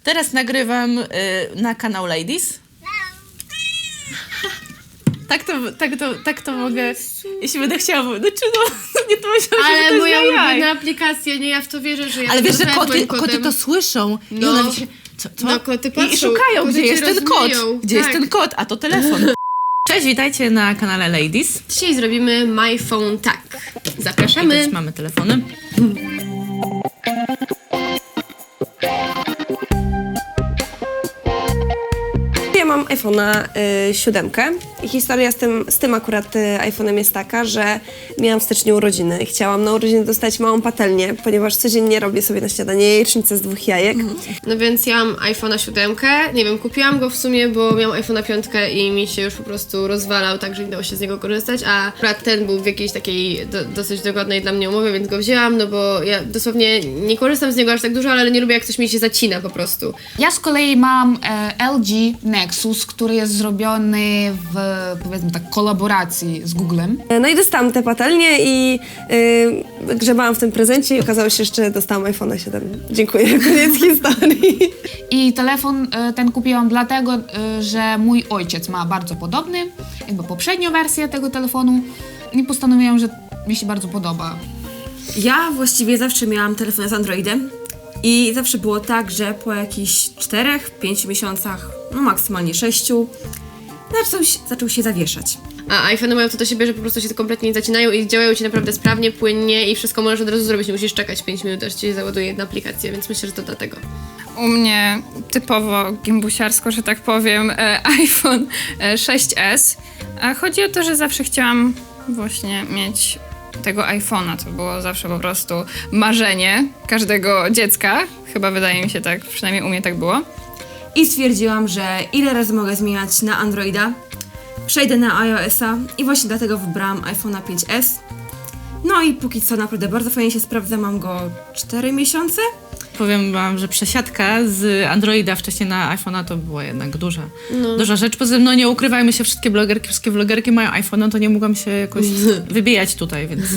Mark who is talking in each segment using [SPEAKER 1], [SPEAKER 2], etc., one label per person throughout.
[SPEAKER 1] Teraz nagrywam na kanał Ladies. Tak to mogę, jeśli będę chciała, znaczy nie to myślałam, że to
[SPEAKER 2] Ale
[SPEAKER 1] jest
[SPEAKER 2] moja
[SPEAKER 1] jaj.
[SPEAKER 2] ulubiona aplikacja, nie, ja w to wierzę, że ja
[SPEAKER 1] Ale wiesz, że
[SPEAKER 2] wezmę
[SPEAKER 1] koty to słyszą i
[SPEAKER 2] No.
[SPEAKER 1] one się, co?
[SPEAKER 2] No, koty patrzą,
[SPEAKER 1] I szukają,
[SPEAKER 2] koty
[SPEAKER 1] gdzie
[SPEAKER 2] cię
[SPEAKER 1] jest ten kot,
[SPEAKER 2] rozumieją.
[SPEAKER 1] gdzie jest
[SPEAKER 2] Tak.
[SPEAKER 1] ten kot, a to telefon. Cześć, witajcie na kanale Ladies.
[SPEAKER 2] Dzisiaj zrobimy My Phone Tak. Zapraszamy.
[SPEAKER 1] Więc mamy telefony.
[SPEAKER 3] Ja mam iPhone'a 7 i historia z tym akurat iPhone'em jest taka, że miałam w styczniu urodziny i chciałam na urodziny dostać małą patelnię, ponieważ codziennie robię sobie na śniadanie jajecznicę z 2 jajek.
[SPEAKER 2] No więc ja mam iPhone'a 7, nie wiem, kupiłam go w sumie, bo miałam iPhone'a 5 i mi się już po prostu rozwalał, także nie dało się z niego korzystać, a akurat ten był w jakiejś takiej dosyć dogodnej dla mnie umowie, więc go wzięłam, no bo ja dosłownie nie korzystam z niego aż tak dużo, ale nie lubię jak coś mi się zacina po prostu.
[SPEAKER 4] Ja z kolei mam LG Nexus, który jest zrobiony w, powiedzmy tak, kolaboracji z Googlem.
[SPEAKER 3] No i dostałam tę patelnię i grzebałam w tym prezencie i okazało się, że dostałam iPhone'a 7. Dziękuję, koniec historii.
[SPEAKER 4] I telefon ten kupiłam dlatego, że mój ojciec ma bardzo podobny, jakby poprzednią wersję tego telefonu i postanowiłam, że mi się bardzo podoba.
[SPEAKER 5] Ja właściwie zawsze miałam telefon z Androidem i zawsze było tak, że po jakichś 4-5 miesiącach, no maksymalnie 6, zaczął się zawieszać.
[SPEAKER 2] A iPhone'y mają to do siebie, że po prostu się kompletnie nie zacinają i działają ci naprawdę sprawnie, płynnie i wszystko możesz od razu zrobić, nie musisz czekać 5 minut, aż ci załaduje jedna aplikacja, więc myślę, że to dlatego.
[SPEAKER 6] U mnie typowo gimbusiarsko, że tak powiem, iPhone 6s. A chodzi o to, że zawsze chciałam właśnie mieć tego iPhone'a. To było zawsze po prostu marzenie każdego dziecka. Chyba wydaje mi się tak, przynajmniej u mnie tak było.
[SPEAKER 5] I stwierdziłam, że ile razy mogę zmieniać na Androida, przejdę na iOS-a i właśnie dlatego wybrałam iPhone'a 5s. No i póki co naprawdę bardzo fajnie się sprawdza, mam go 4 miesiące.
[SPEAKER 1] Powiem wam, że przesiadka z Androida wcześniej na iPhone'a to była jednak duża rzecz. Poza tym, no nie ukrywajmy się, wszystkie vlogerki mają iPhone'a, to nie mogłam się jakoś wybijać tutaj, więc...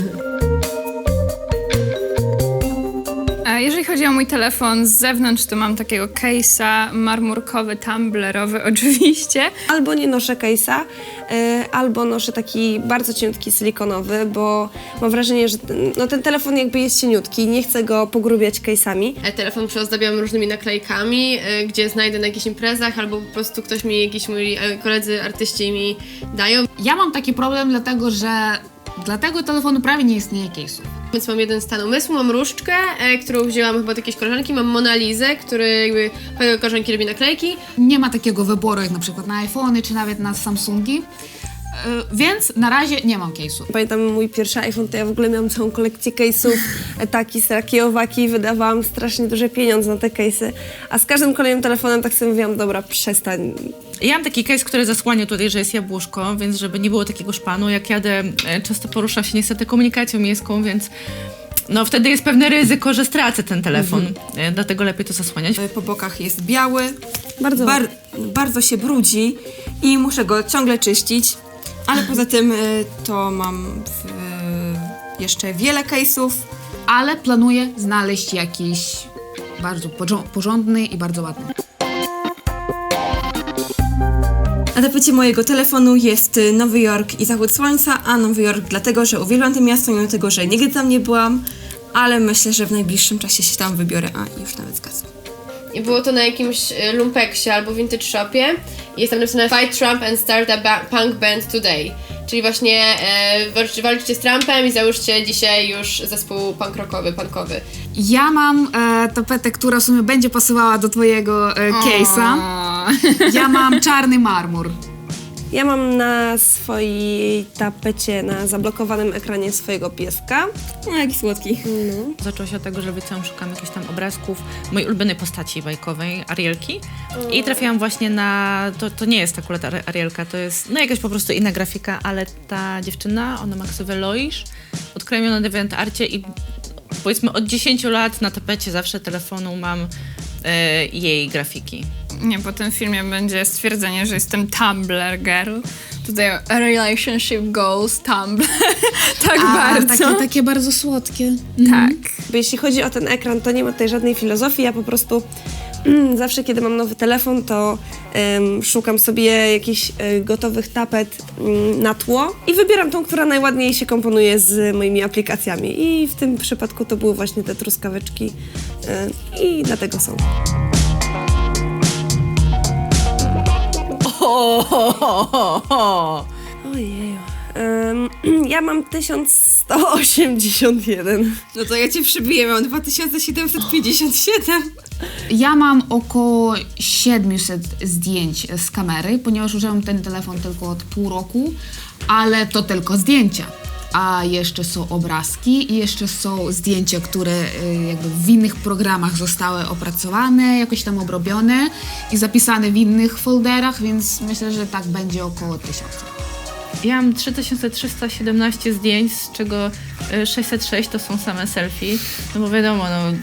[SPEAKER 6] A jeżeli chodzi o mój telefon z zewnątrz, to mam takiego case'a marmurkowy, tumblerowy oczywiście.
[SPEAKER 3] Albo nie noszę case'a, albo noszę taki bardzo cieniutki silikonowy, bo mam wrażenie, że ten telefon jakby jest cieniutki, nie chcę go pogrubiać case'ami.
[SPEAKER 2] Telefon przyozdabiam różnymi naklejkami, gdzie znajdę na jakichś imprezach, albo po prostu ktoś mi, jakiś moi koledzy artyści mi dają.
[SPEAKER 4] Ja mam taki problem dlatego, że dla tego telefonu prawie nie istnieje case'u.
[SPEAKER 2] Więc mam jeden stan umysłu, mam różdżkę, którą wzięłam chyba od jakiejś koleżanki, mam Monalizę, który jakby koleżanki robi naklejki.
[SPEAKER 4] Nie ma takiego wyboru jak na przykład na iPhony czy nawet na Samsungi, więc na razie nie mam case'u.
[SPEAKER 3] Pamiętam mój pierwszy iPhone, to ja w ogóle miałam całą kolekcję case'ów, taki, sraki, owaki, wydawałam strasznie duże pieniądze na te case'y, a z każdym kolejnym telefonem tak sobie mówiłam, dobra, przestań.
[SPEAKER 1] Ja mam taki case, który zasłania tutaj, że jest jabłuszko, więc żeby nie było takiego szpanu, jak jadę, często poruszam się niestety komunikacją miejską, więc no wtedy jest pewne ryzyko, że stracę ten telefon, dlatego lepiej to zasłaniać.
[SPEAKER 5] Po bokach jest biały,
[SPEAKER 3] Bardzo.
[SPEAKER 5] bardzo się brudzi i muszę go ciągle czyścić, ale poza tym to mam jeszcze wiele case'ów.
[SPEAKER 4] Ale planuję znaleźć jakiś bardzo porządny i bardzo ładny.
[SPEAKER 5] Na tapecie mojego telefonu jest Nowy Jork i zachód słońca, a Nowy Jork dlatego, że uwielbiam to miasto, mimo tego, że nigdy tam nie byłam, ale myślę, że w najbliższym czasie się tam wybiorę, a już nawet zgadzam.
[SPEAKER 2] I było to na jakimś lumpeksie albo vintage shopie i jest tam napisane Fight Trump and start a punk band today. Czyli właśnie walczcie z Trumpem i załóżcie dzisiaj już zespół punk rockowy, punkowy.
[SPEAKER 4] Ja mam tapetę, która w sumie będzie pasowała do twojego case'a. Ja mam czarny marmur.
[SPEAKER 3] Ja mam na swojej tapecie, na zablokowanym ekranie swojego pieska.
[SPEAKER 5] No, jaki słodki.
[SPEAKER 1] Zaczęło się od tego, że wiecie, szukam jakichś tam obrazków mojej ulubionej postaci bajkowej, Arielki. I trafiłam właśnie na... To nie jest akurat Arielka, to jest no jakaś po prostu inna grafika, ale ta dziewczyna, ona ma ksywę Loisz, odkryłam ją na DeviantArcie i powiedzmy od 10 lat na tapecie zawsze telefonu mam jej grafiki.
[SPEAKER 6] Nie, po tym filmie będzie stwierdzenie, że jestem Tumblr girl. Tutaj relationship goals, Tumblr. Tak bardzo.
[SPEAKER 4] Takie bardzo słodkie.
[SPEAKER 6] Tak.
[SPEAKER 3] Bo jeśli chodzi o ten ekran, to nie ma tutaj żadnej filozofii, ja po prostu Zawsze, kiedy mam nowy telefon, to szukam sobie jakichś gotowych tapet na tło i wybieram tą, która najładniej się komponuje z moimi aplikacjami. I w tym przypadku to były właśnie te truskaweczki i dlatego są. Ojej. Ja mam 1181.
[SPEAKER 5] No to ja cię przybiję, mam 2757.
[SPEAKER 4] Ja mam około 700 zdjęć z kamery, ponieważ używam ten telefon tylko od pół roku, ale to tylko zdjęcia. A jeszcze są obrazki i jeszcze są zdjęcia, które jakby w innych programach zostały opracowane, jakoś tam obrobione i zapisane w innych folderach, więc myślę, że tak będzie około 1000.
[SPEAKER 1] Ja mam 3317 zdjęć, z czego 606 to są same selfie, no bo wiadomo,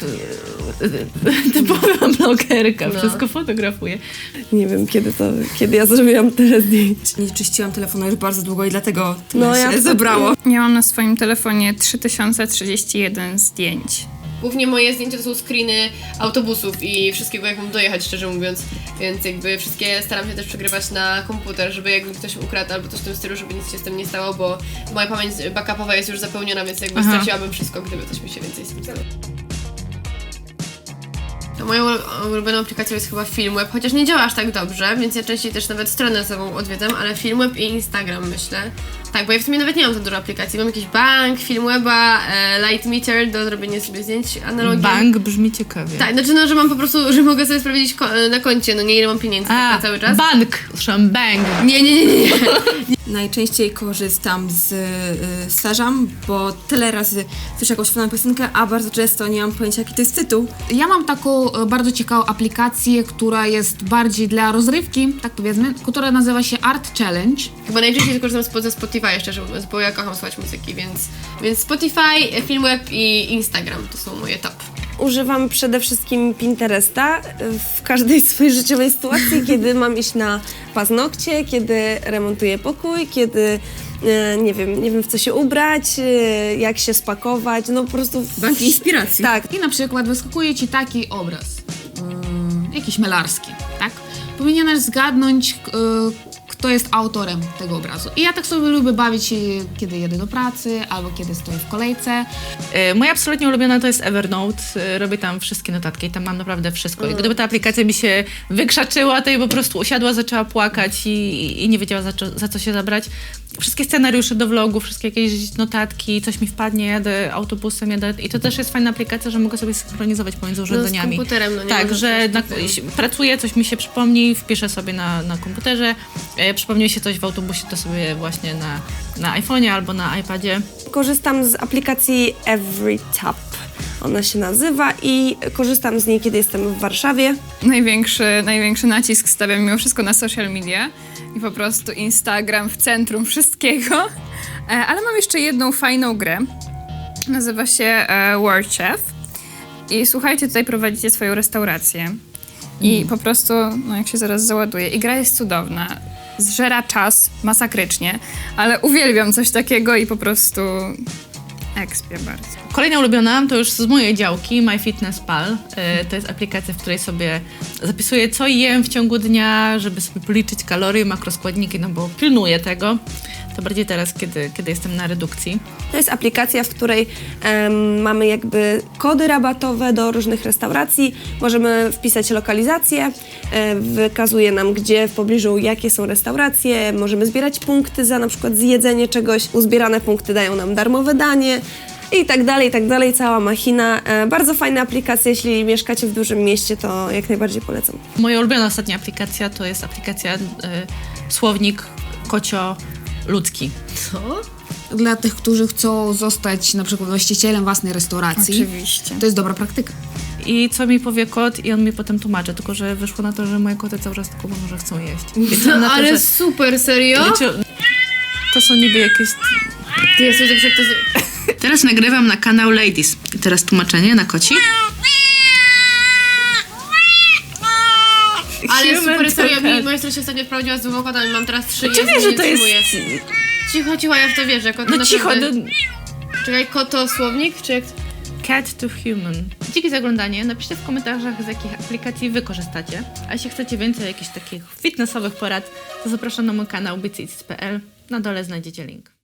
[SPEAKER 1] typowa blogerka, wszystko fotografuję.
[SPEAKER 3] Nie wiem, kiedy ja zrobiłam tyle zdjęć.
[SPEAKER 5] Nie czyściłam telefonu już bardzo długo i dlatego
[SPEAKER 3] No,
[SPEAKER 5] tyle
[SPEAKER 3] ja
[SPEAKER 5] się
[SPEAKER 3] to-
[SPEAKER 5] zebrało.
[SPEAKER 6] Ja mam na swoim telefonie 3031 zdjęć.
[SPEAKER 2] Głównie moje zdjęcia to są screeny autobusów i wszystkiego, jak mam dojechać, szczerze mówiąc. Więc jakby wszystkie staram się też przegrywać na komputer, żeby jakby ktoś ukradł albo coś w tym stylu, żeby nic się z tym nie stało, bo moja pamięć backupowa jest już zapełniona, więc jakby straciłabym wszystko, gdyby coś mi się więcej z tym stało. No, moją ulubioną aplikacją jest chyba Filmweb, chociaż nie działa aż tak dobrze, więc ja częściej też nawet stronę sobą odwiedzam, ale Filmweb i Instagram myślę. Tak, bo ja w sumie nawet nie mam za dużo aplikacji. Mam jakiś bank, Filmweba, Lightmeter do zrobienia sobie zdjęć analogii.
[SPEAKER 1] Bank brzmi ciekawie.
[SPEAKER 2] Tak, znaczy no, że mam po prostu, że mogę sobie sprawdzić na koncie, no nie ile mam pieniędzy tak na cały czas.
[SPEAKER 1] Bank, słyszałam bang.
[SPEAKER 2] Nie.
[SPEAKER 5] Najczęściej korzystam z Shazam, bo tyle razy słyszę jakąś fajną piosenkę, a bardzo często nie mam pojęcia, jaki to jest tytuł.
[SPEAKER 4] Ja mam taką bardzo ciekawą aplikację, która jest bardziej dla rozrywki, tak powiedzmy, która nazywa się Art Challenge.
[SPEAKER 2] Chyba najczęściej korzystam ze Spotify, szczerze mówiąc, bo ja kocham słuchać muzyki, więc Spotify, Filmweb i Instagram to są moje top.
[SPEAKER 3] Używam przede wszystkim Pinteresta w każdej swojej życiowej sytuacji, kiedy mam iść na paznokcie, kiedy remontuję pokój, kiedy nie wiem w co się ubrać, jak się spakować, no po prostu...
[SPEAKER 5] Bank inspiracji.
[SPEAKER 3] Tak.
[SPEAKER 4] I na przykład wyskakuje ci taki obraz, jakiś malarski, tak? Powinieneś zgadnąć, kto jest autorem tego obrazu. I ja tak sobie lubię bawić się, kiedy jedę do pracy, albo kiedy stoję w kolejce.
[SPEAKER 1] Moja absolutnie ulubiona to jest Evernote. Robię tam wszystkie notatki i tam mam naprawdę wszystko. I gdyby ta aplikacja mi się wykrzaczyła, to ja po prostu usiadła, zaczęła płakać i nie wiedziała za co się zabrać. Wszystkie scenariusze do vlogu, wszystkie jakieś notatki, coś mi wpadnie, jadę autobusem, i to też jest fajna aplikacja, że mogę sobie synchronizować pomiędzy urządzeniami.
[SPEAKER 2] z komputerem, no nie?
[SPEAKER 1] Tak,
[SPEAKER 2] Możesz
[SPEAKER 1] że
[SPEAKER 2] też
[SPEAKER 1] pracuję, coś mi się przypomni, wpiszę sobie na komputerze, przypomni mi się coś w autobusie, to sobie właśnie na iPhone'ie albo na iPadzie.
[SPEAKER 3] Korzystam z aplikacji EveryTap, ona się nazywa, i korzystam z niej, kiedy jestem w Warszawie.
[SPEAKER 6] Największy nacisk stawiam mimo wszystko na social media i po prostu Instagram w centrum wszystkiego. Ale mam jeszcze jedną fajną grę. Nazywa się World Chef. I słuchajcie, tutaj prowadzicie swoją restaurację. I po prostu, no jak się zaraz załaduje, i gra jest cudowna. Zżera czas masakrycznie, ale uwielbiam coś takiego i po prostu ekspię bardzo.
[SPEAKER 1] Kolejna ulubiona to już z mojej działki, MyFitnessPal. To jest aplikacja, w której sobie zapisuję, co jem w ciągu dnia, żeby sobie policzyć kalorie, makroskładniki, no bo pilnuję tego. To bardziej teraz, kiedy jestem na redukcji.
[SPEAKER 3] To jest aplikacja, w której mamy jakby kody rabatowe do różnych restauracji. Możemy wpisać lokalizację, wykazuje nam, gdzie w pobliżu, jakie są restauracje. Możemy zbierać punkty za na przykład zjedzenie czegoś. Uzbierane punkty dają nam darmowe danie. I tak dalej, cała machina. Bardzo fajna aplikacja, jeśli mieszkacie w dużym mieście, to jak najbardziej polecam.
[SPEAKER 1] Moja ulubiona ostatnia aplikacja to jest aplikacja Słownik Kocio-Ludzki.
[SPEAKER 4] Dla tych, którzy chcą zostać na przykład właścicielem własnej restauracji.
[SPEAKER 6] Oczywiście.
[SPEAKER 4] To jest dobra praktyka.
[SPEAKER 1] I co mi powie kot i on mi potem tłumaczy, tylko że wyszło na to, że moje koty cały czas tylko mówią, że chcą jeść. Liczę na to,
[SPEAKER 2] Ale
[SPEAKER 1] że-
[SPEAKER 2] super, serio?
[SPEAKER 1] To są niby jakieś...
[SPEAKER 2] Jezu, dobrze, jak to...
[SPEAKER 1] Teraz nagrywam na kanał Ladies. I teraz tłumaczenie na koci.
[SPEAKER 2] Ale
[SPEAKER 1] Human
[SPEAKER 2] super, serio,
[SPEAKER 1] to
[SPEAKER 2] moja siostra się ostatnio wprowadziła z dwoma kotami, mam teraz 3
[SPEAKER 1] Czy wiesz, że to jest...
[SPEAKER 2] Cicho, ja w to wierzę. Koty
[SPEAKER 1] No cicho,
[SPEAKER 2] naprawdę... Czekaj, koto słownik, czy jak...
[SPEAKER 1] Cat to Human. Dzięki za oglądanie. Napiszcie w komentarzach, z jakich aplikacji wy korzystacie. A jeśli chcecie więcej jakichś takich fitnessowych porad, to zapraszam na mój kanał bycits.pl. Na dole znajdziecie link.